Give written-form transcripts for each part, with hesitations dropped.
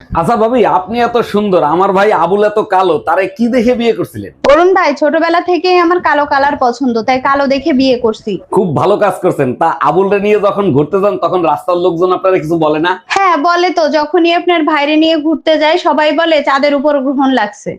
আচ্ছা ভাবি, আপনি এত সুন্দর, আমার ভাই আবুল এত কালো, তারে কি দেখে বিয়ে করছিলেন? অরুণ ভাই ছোটবেলা থেকেই আমার কালো কালার পছন্দ, তাই কালো দেখে বিয়ে করছি। খুব ভালো কাজ করছেন। তা আবুলরে নিয়ে যখন ঘুরতে যান তখন রাস্তার লোকজন আপনারা কিছু বলে না? হ্যাঁ বলে তো, যখনই আপনার ভাইরে নিয়ে ঘুরতে যাই সবাই বলে চাঁদের উপর গ্রহণ লাগছে।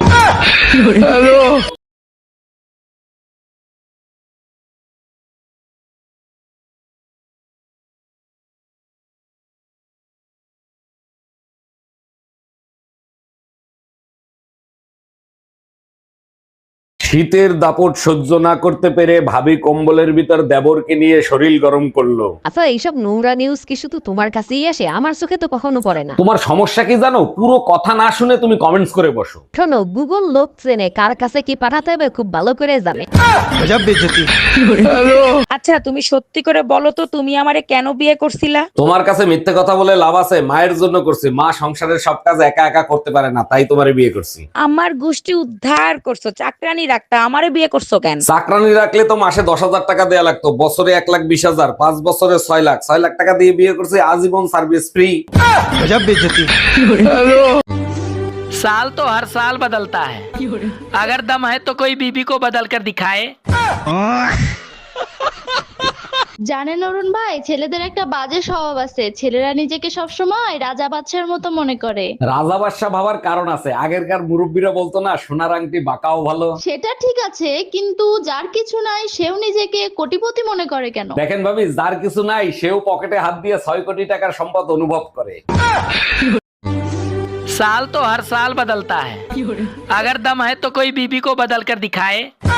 শীতের দাপট সহ্য না করতে পেরে ভাবি কম্বলের ভিতর দেবরকে নিয়ে শরীর গরম করলো। আচ্ছা, এইসব নোংরা নিউজ কি শুধু তোমার কাছেই আসে? আমার চোখে তো কখনো পড়ে না। তোমার সমস্যা কি জানো? পুরো কথা না শুনে তুমি কমেন্টস করে বসো। শোনো, গুগল লোক চেনে কার কাছে কি পাঠাতে হবে খুব ভালো করে জানে। আচ্ছা তুমি সত্যি করে বলো তো, তুমি আমারে কেন বিয়ে করছিলা? তোমার কাছে মিথ্যে কথা বলে লাভ আছে? মায়ের জন্য করছি, মা সংসারের সব কাজ একা একা করতে পারে না, তাই তোমারে বিয়ে করছি। আমার গোষ্ঠী উদ্ধার করছো, চাকরানি রাখতা, আমারে বিয়ে করছো কেন? চাকরানি রাখলে তো মাসে 10,000 টাকা দেয়া লাগতো, বছরে 1,20,000, 5 বছরে 6 লাখ। 6 লাখ টাকা দিয়ে বিয়ে করছি, আজীবন সার্ভিস ফ্রি। साल तो हर साल बदलता है। अगर दम है तो कोई बीबी को बदल कर दिखाए। জানেন অরুণ ভাই, ছেলেদের একটা বাজে স্বভাব আছে, ছেলেরা নিজেকে সবসময় রাজা বাদশার মতো মনে করে। রাজা বাদশাহ ভাবার কারণ আছে। আগেরকার মুরব্বীরা বলতো না, সোনার আংটি বাঁকাও ভালো। সেটা ঠিক আছে, কিন্তু যার কিছু নাই সেও নিজেকে কোটিপতি মনে করে কেন? দেখেন ভাবি, যার কিছু নাই সেও পকেটে হাত দিয়ে 6 কোটি টাকার সম্পদ অনুভব করে। साल तो हर साल बदलता है। अगर दम है तो कोई बीबी को बदल कर दिखाए।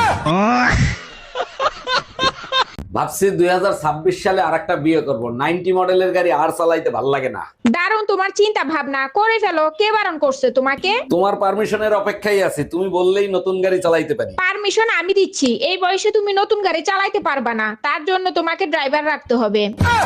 ভাবছি 2026 সালে আরেকটা বিয়ে করব। 90 মডেলের গাড়ি আর চালাইতে ভাল লাগে না। দারুণ তোমার চিন্তা ভাবনা, করে ফেলো। কে বারণ করছে তোমাকে? তোমার পারমিশনের অপেক্ষায় আছি, তুমি বললেই নতুন গাড়ি চালাইতে পারি। পারমিশন আমি দিচ্ছি। এই বয়সে তুমি নতুন গাড়ি চালাইতে পারবা না, তার জন্য তোমাকে ড্রাইভার রাখতে হবে।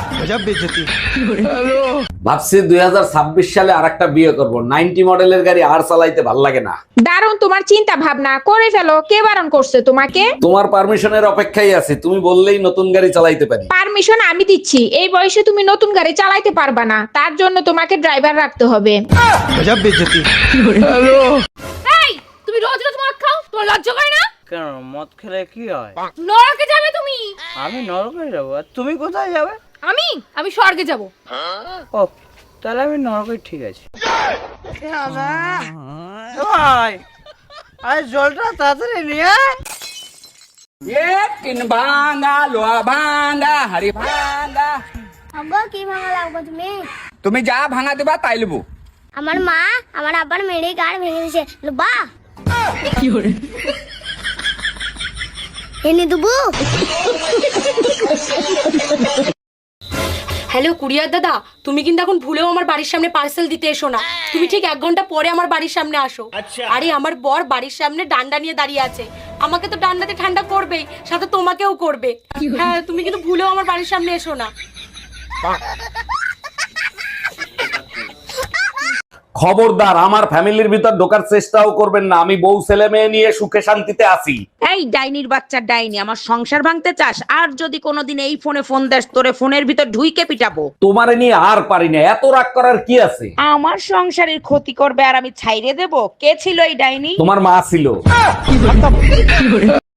ভাবছি 2026 সালে আরেকটা বিয়ে করব। 90 মডেলের গাড়ি আর চালাইতে ভাল লাগে না। দারুণ তোমার চিন্তা ভাবনা, করে ফেলো। কে বারণ করছে তোমাকে? তোমার পারমিশনের অপেক্ষায় আছি, তুমি বললেই নতুন গাড়ি চালাইতে পারি। পারমিশন আমি দিচ্ছি। এই বয়সে তুমি নতুন গাড়ি চালাইতে পারবা না, তার জন্য তোমাকে ড্রাইভার রাখতে হবে। এই তুমি রোজ রোজ মদ খাও, তোমার লজ্জা করে না? কেন, মদ খেলে কি হয়? নরকে যাবে তুমি। আমি নরকে যাবো, আর তুমি কোথায় যাবে? আমি আমি স্বর্গে যাব। ও, তাহলে আমি নরকে, ঠিক আছে। ভাই, আরে জলটা তাড়াতাড়ি নিয়ে আয়। किन भांगा लोहा भांगा हरी भांगा। আব্বা কি ভাঙা লাগবে তুমি? তুমি যা ভাঙা দেবা তাই লবো। আমার মা আমার আব্বার মেরে গাড় ভেঙে দিয়েছে, লুবা এনে দেবো। হ্যালো কুরিয়ার দাদা, তুমি কিন্তু এখন ভুলেও আমার বাড়ির সামনে পার্সেল দিতে এসো না। তুমি ঠিক 1 ঘন্টা পরে আমার বাড়ির সামনে আসো। আরে আমার বর বাড়ির সামনে ডান্ডা নিয়ে দাঁড়িয়ে আছে, আমাকে তো ডান্ডাতে ঠান্ডা করবেই, সাথে তোমাকেও করবে। হ্যাঁ, তুমি কিন্তু ভুলেও আমার বাড়ির সামনে এসো না। খবরদার, আমার ফ্যামিলির ভিতর ঢোকার চেষ্টাও করবেন না। আমি বউ ছেলে মেয়ে নিয়ে সুখে শান্তিতে আছি। এই ডাইনির বাচ্চা ডাইনি, আমার সংসার ভাঙতে চাস? আর যদি কোনোদিন এই ফোনে ফোন দেস, তোরে ফোনের ভিতর ঢুইকে পিটাবো। তোমারে নিয়ে আর পারি না, এত রাগ করার কি আছে? আমার সংসারের ক্ষতি করবে আর আমি ছাইরে দেব? কে ছিল এই ডাইনি? তোমার মা ছিল।